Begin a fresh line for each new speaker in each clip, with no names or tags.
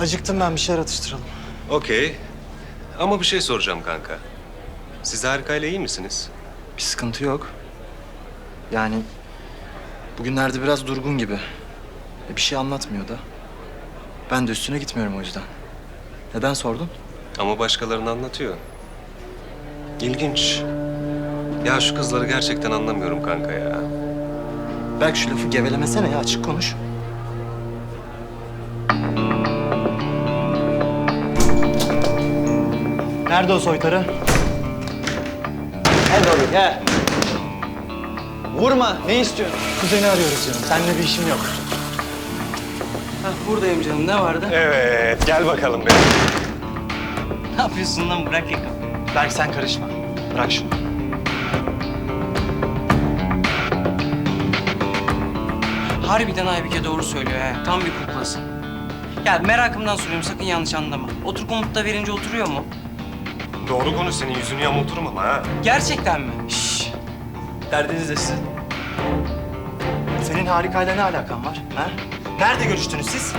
Acıktım ben, bir şeyler atıştıralım.
Okey. Ama bir şey soracağım kanka. Siz Harika'yla iyi misiniz?
Bir sıkıntı yok. Yani bugünlerde biraz durgun gibi. Bir şey anlatmıyor da. Ben de üstüne gitmiyorum o yüzden. Neden sordun?
Ama başkalarını anlatıyor. İlginç. Ya şu kızları gerçekten anlamıyorum kanka ya.
Belki şu lafı gevelemesene ya, açık konuş. Nerede o soytarı?
Gel oğlum gel. Vurma. Ne istiyorsun?
Kuzeni arıyoruz canım. Seninle bir işim yok.
Hah, buradayım canım. Ne vardı?
Evet, gel bakalım be.
Ne yapıyorsun lan? Bırak yakamı.
Berk sen karışma. Bırak şunu.
Harbiden Aybike doğru söylüyor he. Tam bir kuklası. Ya merakımdan soruyorum. Sakın yanlış anlama. Otur komutta verince oturuyor mu?
Doğru konuş, senin yüzünü yamulturum ama ha.
Gerçekten mi? Şşş. Derdiniz de sizin.
Senin Harika'yla ne alakan var? Ha? Nerede görüştünüz siz?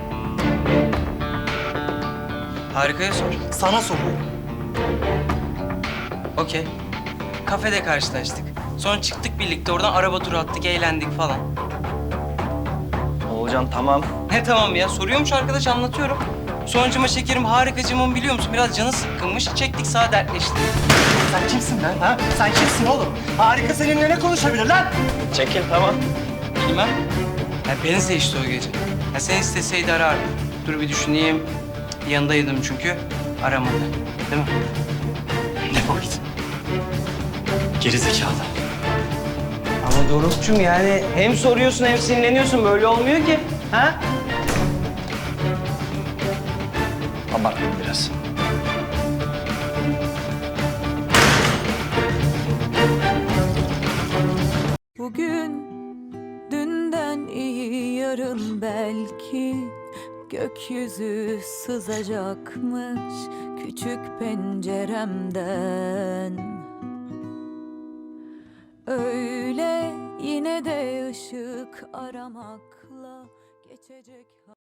Harikaya sor.
Sana soruyorum.
Okey. Kafede karşılaştık. Sonra çıktık birlikte oradan araba turu attık, eğlendik falan.
Oğulcan tamam.
Ne tamam ya? Soruyormuş arkadaş, anlatıyorum. Sonucuma şekerim harikacımın biliyor musun? Biraz canı sıkkınmış. Çektik sağa dertleştik.
Sen kimsin lan? Ha? Sen kimsin oğlum? Harika seninle ne konuşabilir lan?
Çekil tamam. Bilmem. Ya beni seçti o gece. Ya sen isteseydi arardı. Dur bir düşüneyim. Yanındaydım çünkü. Aramadı. Değil mi?
Defol git. Geri zekalı.
Ama Doruk'cum yani hem soruyorsun hem sinirleniyorsun. Böyle olmuyor ki. Ha?
Abarttım biraz.
Bugün dünden iyi, yarın belki gökyüzü sızacakmış küçük penceremden. Öyle yine de ışık aramakla geçecek.